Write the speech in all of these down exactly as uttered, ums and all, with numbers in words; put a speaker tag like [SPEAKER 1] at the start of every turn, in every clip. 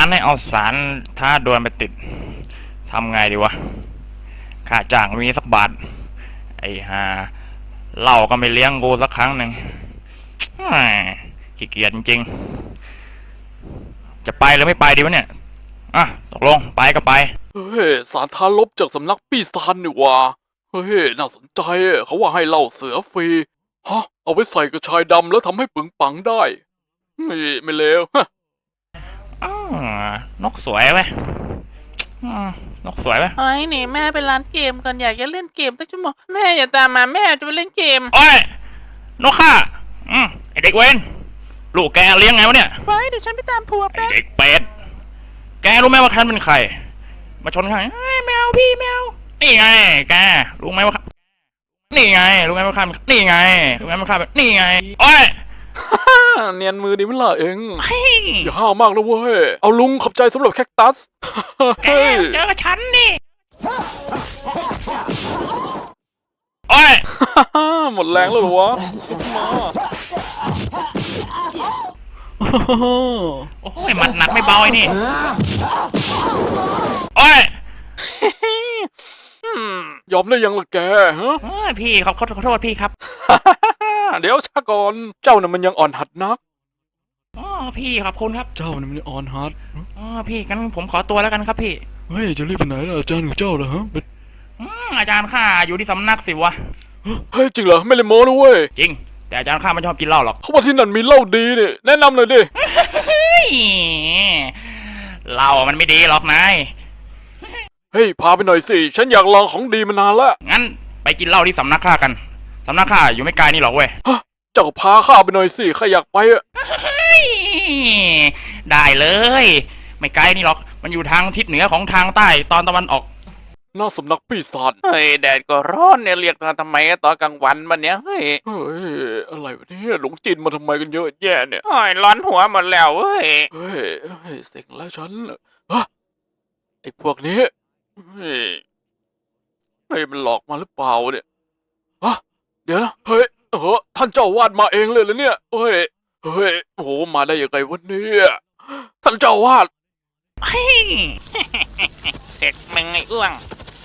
[SPEAKER 1] านให้เอาสารท้าดวลไปติดทำไงดีวะค่าจ้างมีสักบาทไอ้ห่าเหล้าก็ไม่เลี้ยงกูสักครั้งหนึ่งขี้เกียจจริงๆจะไปหรือไม่ไปดีวะเนี่ยอ่ะตกลงไปก็ไป
[SPEAKER 2] เฮ้ยสารท้าลบจากสำนักปีศาจนี่ว่าเฮ้ยน่าสนใจเขาว่าให้เหล้าเสือฟรีฮะเอาไว้ใส่กระชายดำแล้วทำให้ปึงปังได้ไม่ไม่เลวฮะ
[SPEAKER 1] นกสวยไหมนกสวยไหม
[SPEAKER 3] เฮ้ยนี่แม่ไปร้านเกมกันอยากจะเล่นเกมตั้งชั่วโมงแม่อย่าตามมาแม่จะไปเล่นเกม
[SPEAKER 1] โอ้ยนกข้าอืมไอเด็กเวนลูกแกเลี้ยงไงวะเนี่ย
[SPEAKER 3] ไว้เดี๋ยวฉันไปตามผัว
[SPEAKER 1] แป๊บไอเด็กเป็ดแกรู้ไหมว่าฉันเป็นใครมาชนข้าแมวพี่แมวนี่ไงแกรู้ไหมว่านี่ไงรู้ไหมว่าข้านี่ไงรู้ไหมว่าข้านี่ไงโอ้ย
[SPEAKER 2] เนียนมือดีมั้ยล่ะเองอย่าห้าวมากนะเว้ยเอาลุงขอบใจสำหรับแคคตัส
[SPEAKER 1] แกเจอกับฉันนี่โอ้ย
[SPEAKER 2] หมดแรงแล้วเหรอวะมา
[SPEAKER 1] โอ้ยหมัดหนักไม่เบาไอ้นี่โอ้ย
[SPEAKER 2] ยอมได้ยังล่ะแกฮะ
[SPEAKER 1] พี่ขอขอโทษพี่ครับ
[SPEAKER 2] เดี๋ยวช้าก่อนเจ้าน่ะมันยังอ่อนหัดนัก
[SPEAKER 1] อ๋อพี่ขอบคุณครับ
[SPEAKER 2] เจ้าน่ะมันอ่อนหัด
[SPEAKER 1] อ๋อพี่งั้นผมขอตัวแล้วกันครับพี่
[SPEAKER 2] เฮ้ยจะรีบไปไหนล่ะอาจารย์ของเจ้าเหรอฮะ
[SPEAKER 1] อาจารย์ข้าอยู่ที่สำนักสิวะ
[SPEAKER 2] เฮ้ยจริงเหรอไม่เลยโม้นะเว้ย
[SPEAKER 1] จริงแต่อาจารย์ข้าไม่ชอบกินเหล้าหรอก
[SPEAKER 2] เขาบอกที่นั่นมีเหล้าดีนี่แนะนำหน่อยดิ
[SPEAKER 1] เหล้ามันไม่ดีหรอกนาย
[SPEAKER 2] เฮ้ยพาไปหน่อยสิฉันอยากลองของดีมานานแล้ว
[SPEAKER 1] งั้นไปกินเหล้าที่สำนักข้ากันสำนักข้าอยู่ไม่ไกลนี่หรอกเว้ย
[SPEAKER 2] เจ้าก็พาข้าไปหน่อยสิข้าอยากไปอะ
[SPEAKER 1] ได้เลยไม่ไกลนี่หรอกมันอยู่ทางทิศเหนือของทางใต้ตอนตะวันออก
[SPEAKER 2] น่าสำนักปีศาจ
[SPEAKER 3] เฮ้ยแดดก็ร้อนเนี่ยเรียกมาทำไมตอนกลางวันมันเนี้ยเฮ้ย
[SPEAKER 2] เฮ้ยอะไรวะเนี่ยหลงจีนมาทำไมกันเยอะแยะเนี่ย
[SPEAKER 3] โอ้ยร้อนหัวหมดแล้วเว้ย
[SPEAKER 2] เฮ้ยเฮ้ยเส็งแล้วฉันฮะไอ้พวกนี้เฮ้ยเฮ้ยมันหลอกมาหรือเปล่าเนี่ยฮะเดี๋ยวนะเฮ้ยเออท่านเจ้าวาดมาเองเลยเหรอเนี่ยเฮ้ยเฮ้ยโอ้โหมาได้ยังไงวะเนี่ยท่านเจ้าวาด
[SPEAKER 3] เฮ้ยเสร็จมึงไอ้อ้วง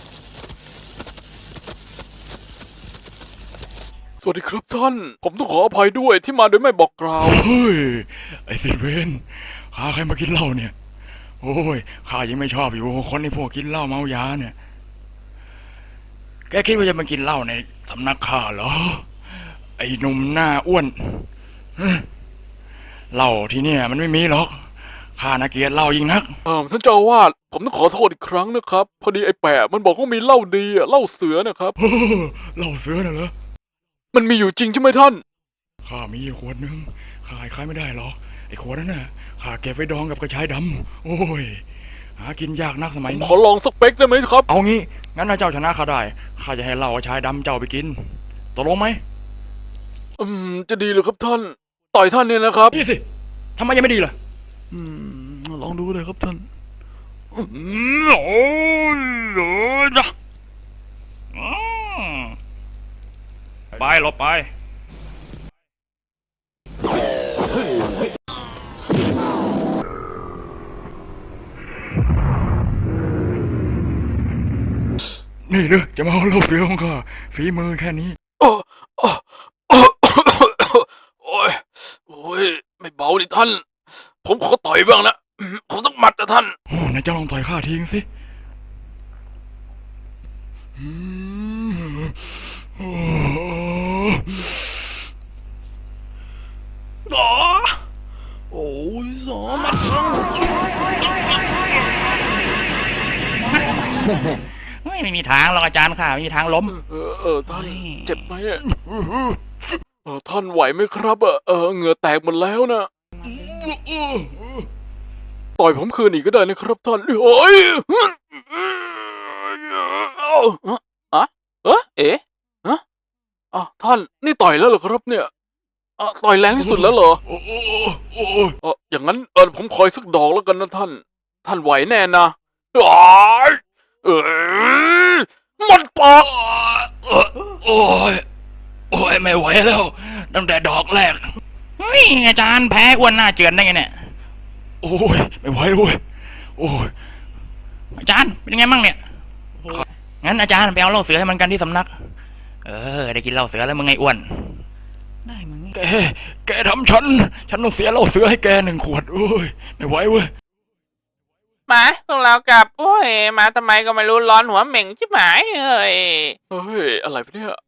[SPEAKER 2] สวัสดีครับท่านผมต้องขออภัยด้วยที่มาโดยไม่บอกกล่าว
[SPEAKER 1] เฮ้ยไอ้สิเวนข้าใครมากินเหล้าเนี่ยโอ้ยข้ายังไม่ชอบอยู่คนที่พวกกินเหล้าเมายาเนี่ยแกคิดว่าจะมากินเหล้าในสำนักข้าเหรอไอ้หนุ่มหน้าอ้วนเหล้าที่เนี่ยมันไม่มีหรอกข้าน่าเกลียดเหล้ายิ่งนัก
[SPEAKER 2] เออท่านเจ้าวาดผมต้องขอโทษอีกครั้งนะครับพอดีไอ้แปะมันบอกว่ามีเหล้าดีอะเหล้าเสือนะครับ
[SPEAKER 1] เหล้าเสือน่ะเหรอ
[SPEAKER 2] มันมีอยู่จริงใช่ไหมท่าน
[SPEAKER 1] ข้ามีขวดนึงขายขายไม่ได้หรอกไอ้ขวดนั้นน่ะข้าเก็บไว้ดองกับกระชายดำโอ้ยหากินยากนักสมัยนี้
[SPEAKER 2] ขอลองสักเป๊กได้ไหมครับ
[SPEAKER 1] เอางี้งั้นถ้าเจ้าชนะข้าได้ข้าจะให้เหล้ากระชายดำเจ้าไปกินตกลงไหม
[SPEAKER 2] อืมจะดีเลยครับท่านต่อยท่านเนี่ยนะครับ
[SPEAKER 1] นี่สิทำไมยังไม่ดีล่ะ
[SPEAKER 2] อืมลองดูเลยครับท่าน
[SPEAKER 1] อืมโอ้ยโอ้ยจ้ะไปหลบไปนี่เลยจะมาเอาเหล้าเสือของข้าฝีมือแค่นี้
[SPEAKER 2] โอ้โอ้โอ้ยโอ้ยไม่เบาดิท่านผมขอต่อยบ้างนะขอสักหมัดนะท่าน
[SPEAKER 1] โอ้นายเจ้าลองต่อยข้าทิ้งสิโอ้โอ้ยสอมัดไม่ไม่มีทางหรอกอาจารย์ค่ะไม่มีทางล้ม
[SPEAKER 2] เออเออท่านเจ็บไหมอ่ะเออท่านไหวไหมครับอ่ะเออเหงื่อแตกหมดแล้วนะต่อยผมคืนอีกก็ได้นะครับท่านโอ้ยอะเออเอ๋ฮะอ่ะท่านนี่ต่อยแล้วเหรอครับเนี่ยอ่ะต่อยแรงที่สุดแล้วเหรอโอ้โอ้เอออย่างนั้นเออผมคอยสักดอกแล้วกันนะท่านท่านไหวแน่นะโอ้ยเออมันปาก
[SPEAKER 1] โอ้ยโอ้ยไม่ไหวแล้วตั้งแต่ดอกแรกเฮ้ยอาจารย์แพ้อ้วนหน้าเจือนได้ไงเนี่ยโอ้ยไม่ไหวโอ้ยโอ้ยอาจารย์เป็นยังไงมั่งเนี่ยงั้นอาจารย์ไปเอาเหล้าเสือให้มันกันที่สำนักเออได้กินเหล้าเสือแล้วมึงไงอ้วนได้มึงแกแกทำฉันฉันต้องเสียเหล้าเสือให้แกหนึ่งขวดโอ้ยไม่ไหวเว้ย
[SPEAKER 3] มาพวกเรากลับโอ้ยมาทำไมก็ไม่รู้ร้อนหัวเหม่งชิบหายเอ้ย
[SPEAKER 2] เฮ้ยอะไรวะเนี่ย